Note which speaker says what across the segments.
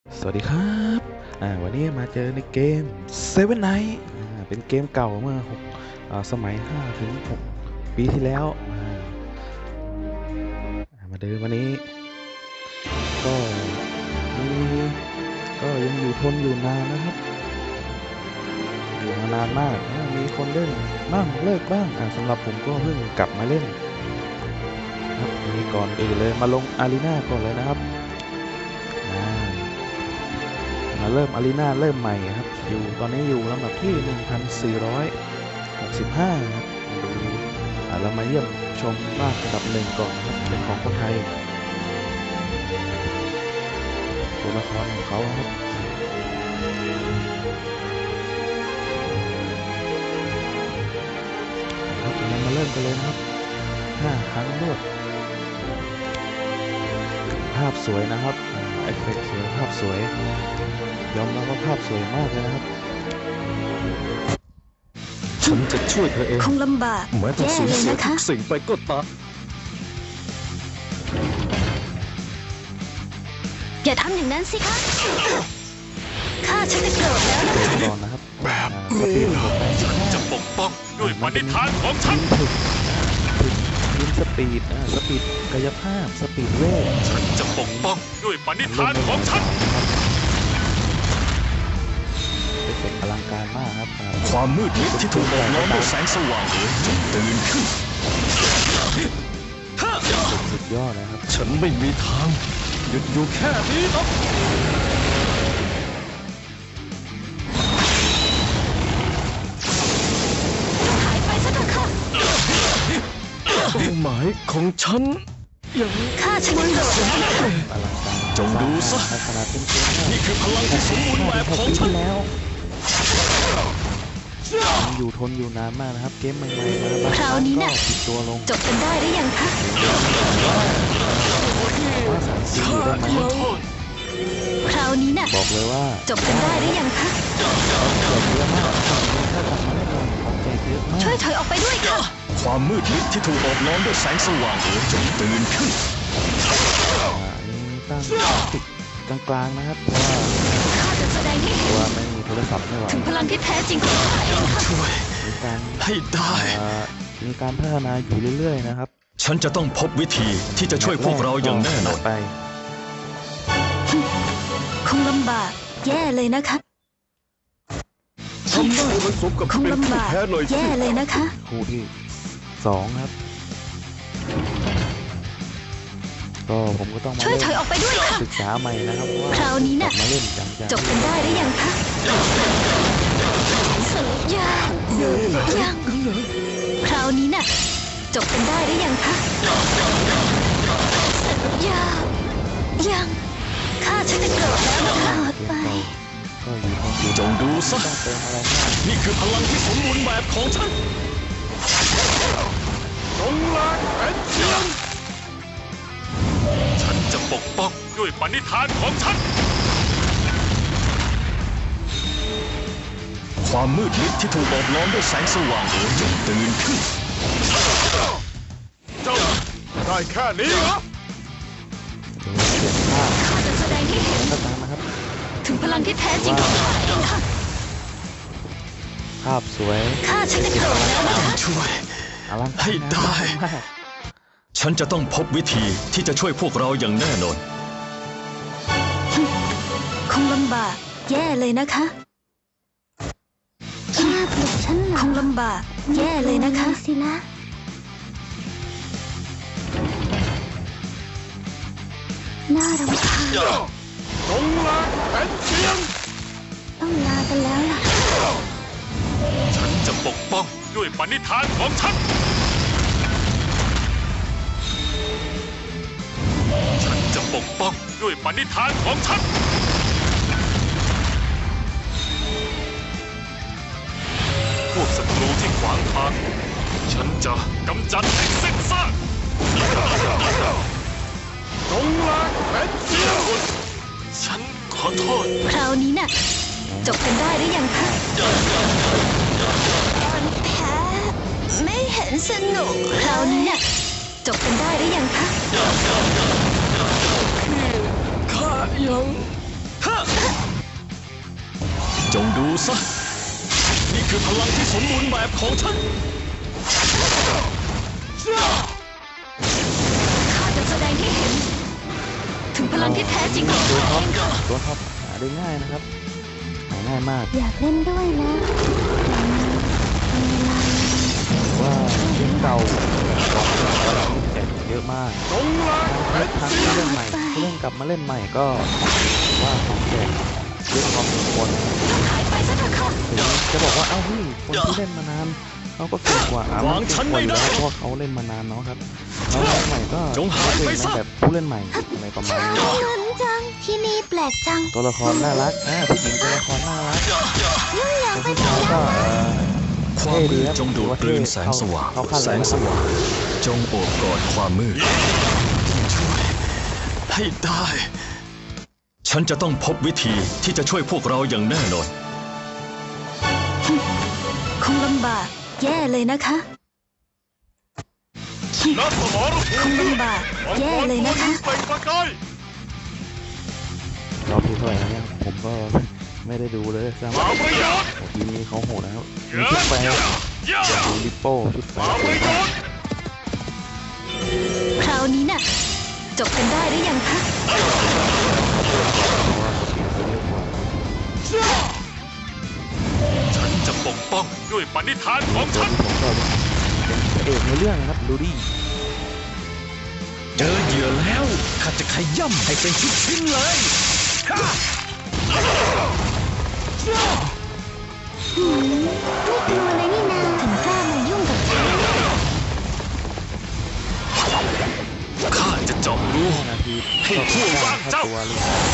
Speaker 1: สวัสดีครับวันนี้มาเจอในเกม Seven Nights เป็นเกมเก่าเมื่อสมัย5 ถึง 6 ปีที่แล้วมาเดินวันนี้ก็มียังอยู่ทนอยู่นานนะครับอยู่มานานมากมีคนเล่นบ้างเลิกบ้างสำหรับผมก็เพิ่งกลับมาเล่นครับนี่ก่อนอื่นเลยมาลงอารีนาก่อนเลยนะครับมาเริ่มอารีนาเริ่มใหม่ครับตอนนี้อยู่ลำดับที่ 1465 ครับดูเรามาเยี่ยมชมบ้านอันดับหนึ่งก่อนครับเป็นของคนไทยตัวละครของเขาครับเรามาเริ่มกันเลยนะครับ5 ครั้งรวดภาพสวยนะครับเอฟเฟกต์สวยภาพสวยยอมรับว่าภาพสวยมากเลยนะครับฉันจะช่วยเธอเอง
Speaker 2: คงลำบาก
Speaker 3: แม้ต้องสูญเสียทุกสิ่งไปก็ตาม
Speaker 2: อย่าทำอย่างนั้นสิคะข้าฉันจะโกรธแล้ว
Speaker 1: นะครับ
Speaker 3: แบบนี้นะฉันจะปกป้องด้วยปณิธานของฉัน
Speaker 1: ทีมสปีดกายภาพสปีดเวท
Speaker 3: ฉันจะปกป้องด้วยปณิธานของฉัน
Speaker 1: เป็นอลังการมากครับ
Speaker 3: ความมืดมิดที่ถูกโอบล้อมด้วยแสงสว่างจงตื่นขึ้น
Speaker 1: สุดยอดนะครับ
Speaker 3: ฉันไม่มีทางหยุดอยู่แค่นี้หรอก
Speaker 2: หายไปซะเถอะค่ะ
Speaker 3: เป้าหมายของฉันยัง
Speaker 2: ข้าฉันจะโกรธ
Speaker 1: อลังการ
Speaker 3: จงดูซะนี่คือพลังที่สมบูรณ์แบบของฉัน
Speaker 1: แล้วอยู่ทนอยู่นานมากนะครับเกมใหม่ๆมา
Speaker 2: คราวนี้น่ะ
Speaker 1: ติดตัวลง
Speaker 2: จบกันได้หรือยังคะ
Speaker 1: ว่าสารซีอยู่ได้ไหม
Speaker 2: คราวนี้น่ะ
Speaker 1: บอกเลยว่า
Speaker 2: จบกันได้หรือยังคะ
Speaker 1: เยอะมากถ้ากลับมาได้เลยความใจเยอะมาก
Speaker 2: ช่วยถอยออกไปด้วยค่ะ
Speaker 3: ความมืดมิดที่ถูกโอบล้อมด้วยแสงสว่างจงตื่นขึ้น
Speaker 1: นี่ตั้งติดกลางๆนะครับ
Speaker 2: ข้าจะแสดงให้เห็น
Speaker 1: ว่าไม่มีโทรศัพท์ไม่ไหว
Speaker 2: ถึงพลังที่แท้จริงของข้าเองค่ะ
Speaker 3: ช่วยให้ได้
Speaker 1: มีการพัฒนาอยู่เรื่อยๆนะครับ
Speaker 3: ฉันจะต้องพบวิธีที่จะช่วยพวกเราอย่างแน่นอน
Speaker 1: ไป
Speaker 2: คงลำบากแย่เลยนะคะ
Speaker 3: ทำได้มันสมกับ
Speaker 2: คง
Speaker 3: เป็นผู้
Speaker 2: ลำบาก
Speaker 3: แพ้เลย
Speaker 2: แย่เลยนะคะ
Speaker 1: คู่ที่2ครับก็ผมก็ต้องมา
Speaker 2: ช่วยถอยออกไปด้วยค่ะ
Speaker 1: ศึกษาใหม่นะครับว่า
Speaker 2: คราวนี้น่ะ
Speaker 1: มาเล่นจัง
Speaker 2: จบกันได้หรือยังคะยังคราวนี้น่ะจบกันได้หรือยังคะยังข้าฉันจะโกรธแล้วนะคะไป
Speaker 1: ก็อยู่
Speaker 3: จงดูซะ
Speaker 1: ต้องเติมอะไรมาก
Speaker 3: นี่คือพลังที่สมบูรณ์แบบของฉันจงลากเป็นเชียงฉันจะปกป้องด้วยปณิธานของฉันความมืดมิดที่ถูกโอบล้อมด้วยแสงสว่างจงตื่นขึ้นเจ้าได้แค่นี้เหรอ
Speaker 2: ข้าจะแสดงให้เห็นถึงพลังที่แท้จริงของข้าเองค่ะ
Speaker 1: ภาพสวย
Speaker 2: ข้าฉันจะโกรธแล้วนะคะ
Speaker 3: ช่วยให้ได้ฉันจะต้องพบวิธีที่จะช่วยพวกเราอย่างแน่นอน
Speaker 2: คงลำบากแย่เลยนะคะข้าปลุกฉันเหรอคงลำบากแย่เลยนะคะสินะน่ารำคาญ
Speaker 3: จงลาเป็นเชียง
Speaker 2: ต้องลากันแล้วล่ะ
Speaker 3: ฉันจะปกป้องด้วยปณิธานของฉันฉันจะปกป้องด้วยปณิธานของฉันพวกศัตรูที่ขวางทางฉันจะกำจัดให้สิ้นซากจงลาเป็นเชียงฉันขอโทษ
Speaker 2: คราวนี้น่ะจบกันได้หรือยังคะตอนแพ้ไม่เห็นสนุกคราวนี้น่ะจบกันได้หรือยังคะ
Speaker 3: ข้ายังจงดูซะนี่คือพลังที่สมบูรณ์แบบของฉัน
Speaker 2: ข้าจะแสดงให้เห็น ถึงพลังที่แท้จริงของตัวเองค่ะ
Speaker 1: ตัวท็อปหาได้ง่ายนะครับหาง่ายมาก
Speaker 2: อยากเล่นด้วยนะ
Speaker 1: ว่าเกมเก่าความแข่งเยอะมากทั้งที่เล่นใหม่ที่เล่นกลับมาเล่นใหม่ก็ว่าของแข่งเยอะพอสมควร
Speaker 2: หายไปซะเถอะค่ะ
Speaker 1: ถึงจะบอกว่าเอ้าพี่คนที่เล่นมานานเขาก็เก่งกว่ามันเก่งกว่าอยู่แล้วเพราะว่าเขาเล่นมานานเนาะครับแล้วเล่นใหม่ก็เก่งนะแบบผู้เล่นใหม่อะไรประมาณนี้
Speaker 2: ลุ้นจัง ที่นี่แปลกจัง
Speaker 1: ตัวละครน่ารักผู้หญิงตัวละครน่ารัก
Speaker 2: ยุ่งยาก
Speaker 1: ตัว
Speaker 2: ไป
Speaker 1: ผู้
Speaker 2: หม
Speaker 1: ชาย
Speaker 2: ด
Speaker 1: ก็
Speaker 3: ความมืดจงดูดกลืนแสงสว่าง แสงสว่างจงโอบกอดความมืดช่วยให้ได้ ฉันจะต้องพบวิธีที่จะช่วยพวกเราอย่างแน่นอน
Speaker 2: คงลำบากแย่เลยนะคะคงลำบากแย่เลยนะคะ
Speaker 1: รอบที่เท่าไหร่แล้วเนี่ยผมก็ไม่ได้ดูเลยซ้ำทีนี้เขาโหดนะครับมีชุดแฟร์ดูลิปโป้ชุดแฟร์
Speaker 2: คราวนี้น่ะ จบกันได้หรือยังคะ
Speaker 4: ฉันจะปกป้องด้วยปณิธานของฉัน
Speaker 1: ผมก็เป็นเอกในเรื่องนะครับดูดิ
Speaker 3: เจอเหยื่อแล้วข้าจะขย่ำให้เป็นชิ้นๆเลย
Speaker 2: ไม่กลัวเลยนี่นาถึงกล้ามายุ่งกับฉัน
Speaker 3: ข้าจะเจาะรู
Speaker 1: 5 นาที
Speaker 3: ให้ผู้ว่างเจ้า
Speaker 1: ตัวเลย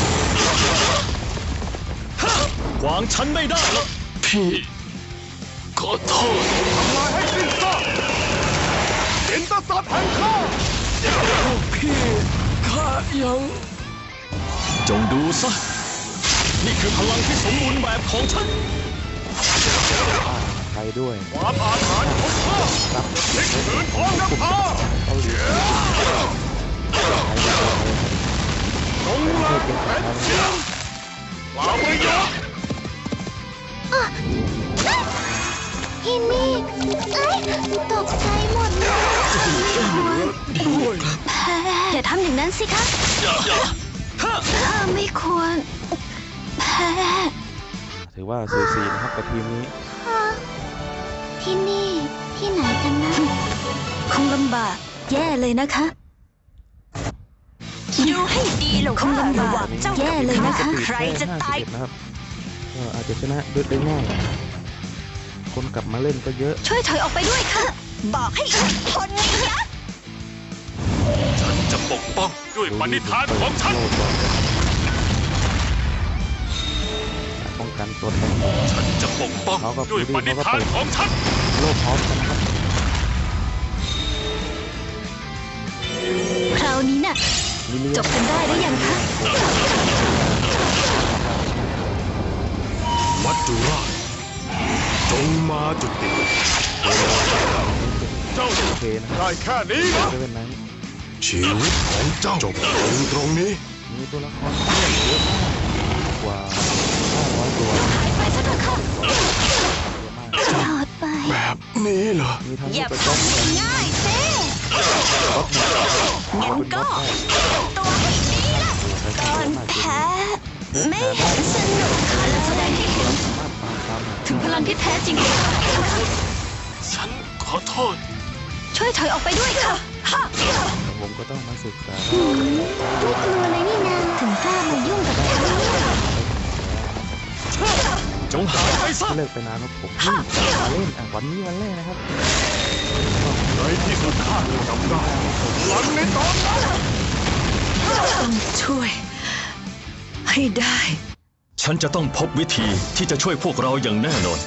Speaker 3: ขวางฉันไม่ได้หรอกพี่ ขอโทษ
Speaker 4: ทำลายให้สิ้นซากเป็นตสัตว์แห่งข้า
Speaker 3: พี่ข้ายัง จงดูซะ นี่คือพลังที่สมบูรณ์แบบของฉัน
Speaker 1: ใครด้วย
Speaker 4: ความอาถรรพ์ของข้า
Speaker 1: รับ
Speaker 4: พลิกผืนท้องนภา
Speaker 1: เขาเหลือ
Speaker 4: จงลาเป็นเสียงเปล่าประโยชน์
Speaker 2: พี่นี่เอ้ยตกใจหมดเลยแพ้อย่าทำอย่างนั้นสิคะข้าไม่ควร แพ้
Speaker 1: ถือว่าสูสีนะครับกับทีมนี้
Speaker 2: ที่นี่ ที่ไหนกันนะ คงลำบากแย่เลยนะคะดูให้ดีหรอกคงลำบากแย่เลยนะคะ
Speaker 1: ใครจะตายนะครับอาจจะชนะด้วยได้ง่ายคนกลับมาเล่นก็เยอะ
Speaker 2: ช่วยถอยออกไปด้วยค่ะ บอกให้อีกคนนึงนะ
Speaker 4: ฉันจะปกป้องด้วยปณิธานของฉัน
Speaker 1: ป้องกันตัวแทน
Speaker 4: ฉันจะปกป้องด้วยปณิธานของฉัน
Speaker 1: โลกพร้อมกันนะครับ
Speaker 2: คราวนี้น่ะ จบกันได้หรือยังคะ
Speaker 4: มัจจุราชจงมาจุติเจ้า
Speaker 1: โอเคนะ
Speaker 4: ได้แค่นี้นะ
Speaker 1: จะเป็นนั้น
Speaker 4: ชีวิตของเจ้าจบลงตรงนี้
Speaker 1: มีตัวละครเยอะมากกว่า500ตัว
Speaker 2: ไปซะเถอะค่ะถอดไป
Speaker 4: แบบนี้เหรอ
Speaker 1: มีทั้ง
Speaker 2: อย่า
Speaker 1: ตัว
Speaker 2: ทำง่ายๆสิ
Speaker 1: ก๊อปหนึ่ง
Speaker 2: งั้นก็ตัวให้ดีละก่อนแพ้ไม่เห็นสนุกเลยแสดงให้เห็น
Speaker 1: สามารถปราบตาม
Speaker 2: ถึงพลังที่แท้จริงของข้า
Speaker 4: ฉันขอโทษ
Speaker 2: ช่วยถอยออกไปด้วยค่ะ
Speaker 1: ผมก็ต้องมาศึกษา
Speaker 2: ไม่กลัวเลยนี่นาถึงกล้ามายุ่งกับฉัน
Speaker 3: จงหายไปซะ
Speaker 1: ที่เลิกไปนานแล้วผมเพิ่งมาเล่นวันนี้วันแรกนะครับ
Speaker 4: ในที่สุดข้าจำได้หลังในตอนนั้น
Speaker 2: ต้องช่วย ให้ได้
Speaker 3: ฉันจะต้องพบวิธีที่จะช่วยพวกเราอย่างแน่นอน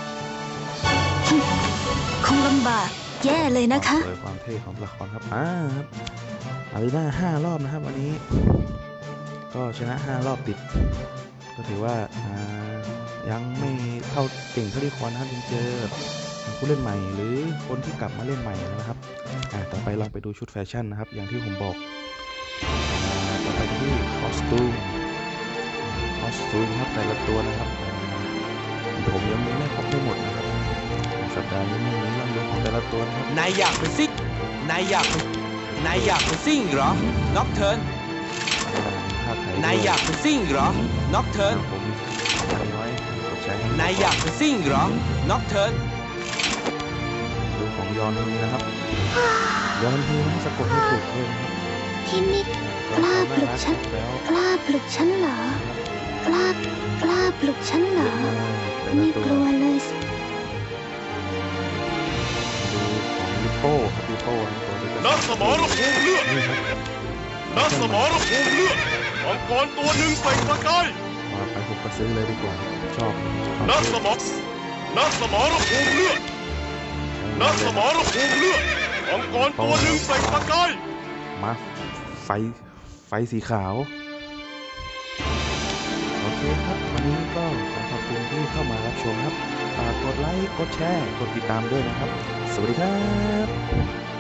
Speaker 2: คงลำบากแย่เลยนะคะ
Speaker 1: โดยความเท่ของละครครับครับอารีนา5 รอบนะครับวันนี้ ก็ชนะ5 รอบติด ก็ถือว่ายังไม่เท่าเก่งเท่าที่ควรนะครับยังเจอผู้เล่นใหม่หรือคนที่กลับมาเล่นใหม่นะครับต่อไปลองไปดูชุดแฟชั่นนะครับ อย่างที่ผมบอกต่อไปที่คอสตูมซูนครับแต่ละตัวนะครับผมยังไม่ครบไม่หมดนะครับสัปดาห์นี้ไม่มีเรื่องเยอะของแต่ละตัวนะครับ
Speaker 5: นายอยากเป็นซิกนายอยากเป็นซิ่งเหรอ น็อกเทิร์น
Speaker 1: ภาคไทย
Speaker 5: นายอยากเป็นซิ่งเหรอ น็อกเทิร์น
Speaker 1: ผมน้อยกดใช้ให้
Speaker 5: นายอยากเป็นซิ่งเหรอ น็อกเทิร์น
Speaker 1: ดูของยอนฮีนะครับยอนฮีนะสะกดให้ถูกด้วยนะครับ
Speaker 2: พี่มิกกล้าปลุกฉัน
Speaker 1: แล้ว
Speaker 2: กล้าปลุกฉันเหรอ กล้าปลุกฉันเหรอ
Speaker 1: แต่ละ
Speaker 2: ไม่
Speaker 1: ตัว
Speaker 2: กลัวเลยสิ
Speaker 1: ดูของลิโป้ครับลิโป้นะตัวนี้ก็
Speaker 4: นักสมรภูมิเลือด
Speaker 1: นี่ครับ
Speaker 4: นักสมรภูมิเลือดมังกรตัวหนึ่งเปล่งประกาย
Speaker 1: ว่าไปผมก็ซื้อเลยดีกว่าชอบ
Speaker 4: นักสมรภูมิเลือดนักสมรภูมิเลือดมังกรตัวหนึ่งเปล่งประกาย
Speaker 1: มาไฟสีขาวโอเคครับวันนี้ก็ขอขอบคุณที่เข้ามารับชมครับฝากกดไลค์กดแชร์กดติดตามด้วยนะครับสวัสดีครับ